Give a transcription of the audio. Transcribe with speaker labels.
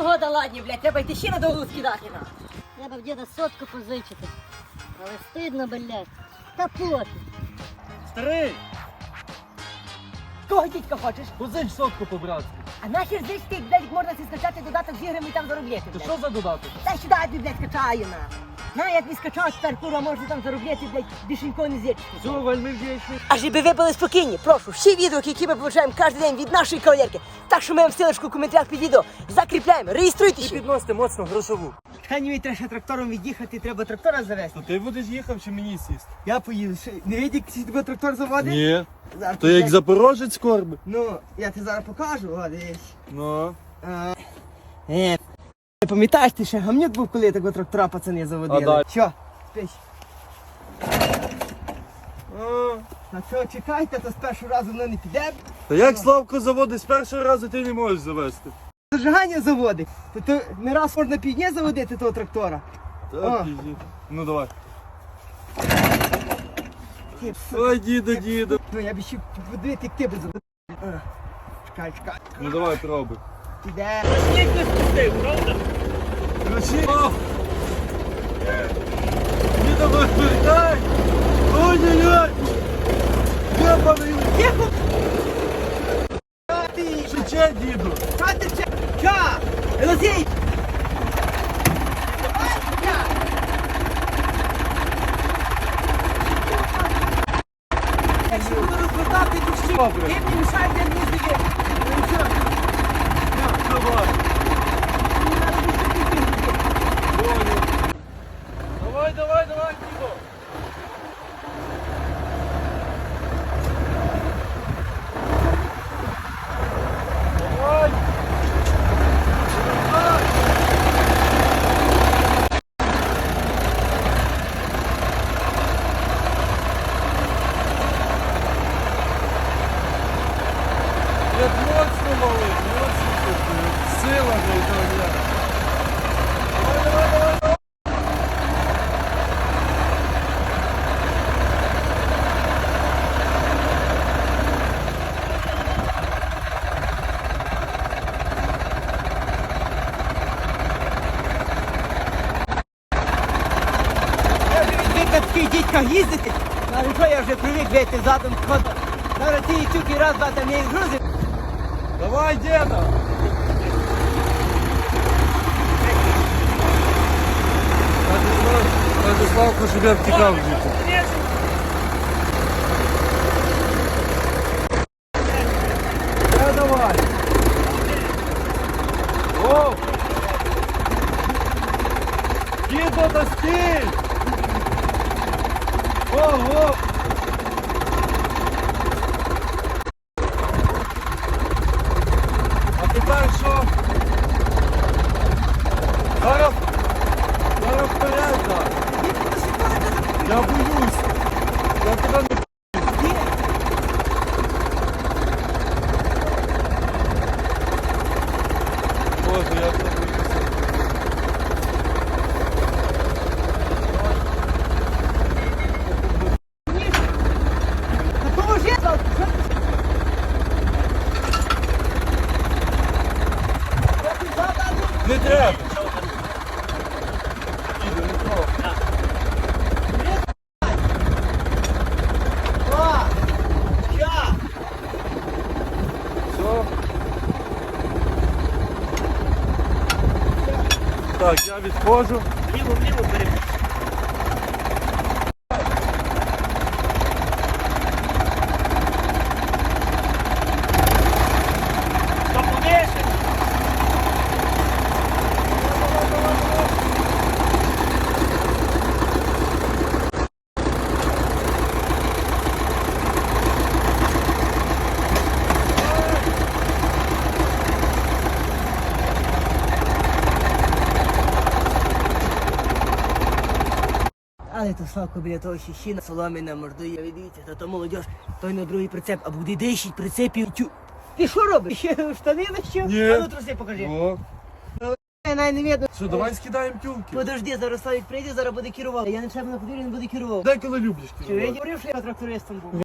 Speaker 1: Погода ладні, блядь, треба йти ще на довгу скидати на.
Speaker 2: Треба в діда сотку позичити. Але стидно, блядь. Та пофіг.
Speaker 3: Старий,
Speaker 1: Кого дідька хочеш?
Speaker 3: позич сотку по-братськи.
Speaker 1: А нахер здесь ти, блядь, можна си скачати додаток з іграми і там заробляти,
Speaker 3: То
Speaker 1: блядь.
Speaker 3: що за додаток?
Speaker 1: Та сюди, я тобі, блядь, скачаю, на. На, я тобі скачав, тепер, курва, можна там заробляти, блядь, бішенько не зірчити.
Speaker 3: Все, вельми вдячний.
Speaker 1: А щоб ви були спокійні, прошу, всі відео, які ми получаємо кожен день від нашої кавалерки, так що ми вам ссылочку в коментарях під відео закріпляємо, реєструйтесь.
Speaker 3: І підносите моцно грошову.
Speaker 1: Хай мені треба ще трактором від'їхати, треба трактора завести.
Speaker 3: То ти будеш їхав чи мені сісти?
Speaker 1: Я поїду. Не видиш, як тебе трактор заводить?
Speaker 3: Ні.
Speaker 1: Зараз
Speaker 3: То як
Speaker 1: блядь,
Speaker 3: запорожець корби.
Speaker 1: Ну, я тебе зараз покажу, о, дивись.
Speaker 3: Ну.
Speaker 1: Не пам'ятаєш, ти ще гамнюк був, коли такого трактора пацани заводили?
Speaker 3: А далі?
Speaker 1: Що? Спиш? На що чекайте, то з першого разу воно не піде.
Speaker 3: Та як Славко заводить з першого разу ти не можеш завести?
Speaker 1: Зажигання заводить. То не раз можна півдня заводити того трактора.
Speaker 3: Так, пізні. Ну давай. Ой, діду.
Speaker 1: Ну я б ще подивити, як ти би заводив. Чекай.
Speaker 3: Ну давай, пробуй.
Speaker 1: Піде.
Speaker 3: Сніг не спустив, правда? Ключі. Діда, вертай! Ой-ой-ой! Єбаний!
Speaker 1: Ти!
Speaker 3: Шиче, діду!
Speaker 1: Хати ще! Що? Елозій! Якщо буду розвертати душі,
Speaker 3: Добре.
Speaker 1: ти мені мішай, де музики. Ну що?
Speaker 3: Давай! Давай, діду! Давай! Як моцно малий, моцно тут, сила вже. Давай!
Speaker 1: Я вже відвик на таких дітьках їздити. Але що я вже привик вийти задом ходом. Зараз ці тюки раз-два там я їх грузив.
Speaker 3: Давай, деда! Радиславку, щоб я втікав звідти. Давай! О! Дідо, та стій! Ого! А тепер що? Зараз вперед, так. Я боюсь. Я тебе не Боже, я тебе боюся.
Speaker 1: Поможи!
Speaker 3: Не треба. Іду, не треба.
Speaker 1: О! Що?
Speaker 3: Все. Так, я відходжу.
Speaker 1: Ліво бери. Але то Славко біля того щіщина соломіна мордує. Ви дивіться, то молодіж, той на другий прицеп, а буде дещить прицепів. Ти що робиш? Ще штани нащив?
Speaker 3: Ні.
Speaker 1: А ну труси покажи.
Speaker 3: О.
Speaker 1: Навіть не видно.
Speaker 3: Що, давай скидаємо тюлки.
Speaker 1: Подожди, зараз Славік прийде, зараз буде керував. Я не себе на подвір'ї, не буде керував.
Speaker 3: Деколи люблиш
Speaker 1: Чи я
Speaker 3: керувати.
Speaker 1: говорив, що я трактористом був?